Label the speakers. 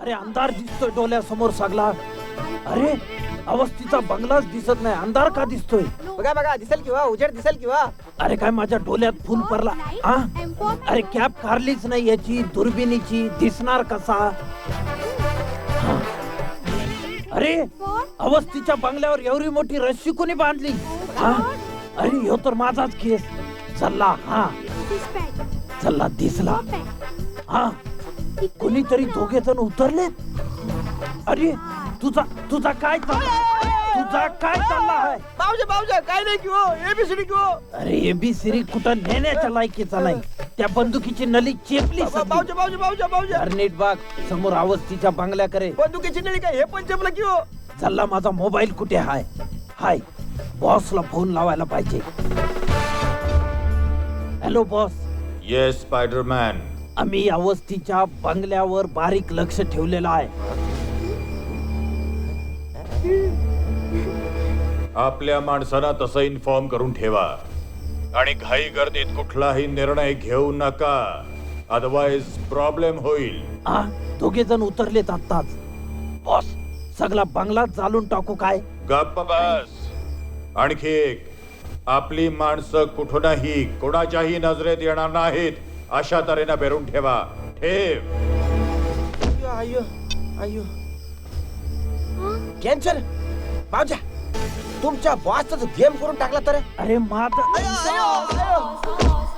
Speaker 1: अरे अंधार दिसतोय डोळ्यासमोर सगळा. अरे अवस्थीचा बंगलाच दिसत नाही, अंधार का दिसतोय?
Speaker 2: बघा बघा, दिसेल किंवा उजेड दिसेल किंवा.
Speaker 1: अरे काय माझ्या डोळ्यात फुल पडला. हा अरे कॅप काढलीच नाही याची, दुर्बिणीची, दिसणार कसा? हा. अरे अवस्थीच्या बंगल्यावर एवढी मोठी रस्सी कोणी बांधली? हा अरे ह्यो तर माझाच केस. चल्ला, हा चल्ला दिसला. हा कोणीतरी दोघे जण उतरलेत. अरे तुझा काय चालला आहे?
Speaker 2: बावजा काय नाही किंवा एबीसीडी किंवा.
Speaker 1: अरे एबीसीडी कुठं नेण्याच्या लायकीचा नाही. त्या बंदुकीची नली चेपली.
Speaker 2: बावजा
Speaker 1: नीट बाग समोर अवस्थीच्या बंगल्याकडे.
Speaker 2: बंदुकीची नळी काय, हे पण चपला किंवा.
Speaker 1: चल्ला माझा मोबाईल कुठे हाय? हाय बॉसला फोन लावायला पाहिजे. Hello boss.
Speaker 3: Yes spiderman.
Speaker 1: आम्ही अवस्थीच्या बंगल्यावर बारीक लक्ष ठेवलेलं आहे.
Speaker 3: आपल्या माणसांना तसं इन्फॉर्म करून ठेवा आणि घाई गर्दीत कुठलाही निर्णय घेऊ नका, अदरवाइज प्रॉब्लेम होईल.
Speaker 1: हा दोघे जण उतरलेत आत्ताच. बॉस सगळा बंगला जाळून टाकू काय?
Speaker 3: गप्प बस. आणखी एक, आपली माणसं कुठूनही कोणाच्याही नजरेत येणार नाहीत अशा तऱ्हेनं बेरून ठेवा. ठेव.
Speaker 2: आयो आयो कॅन्सर. बावजा तुमच्या बॉसचा गेम करून टाकला तर.
Speaker 1: अरे माझं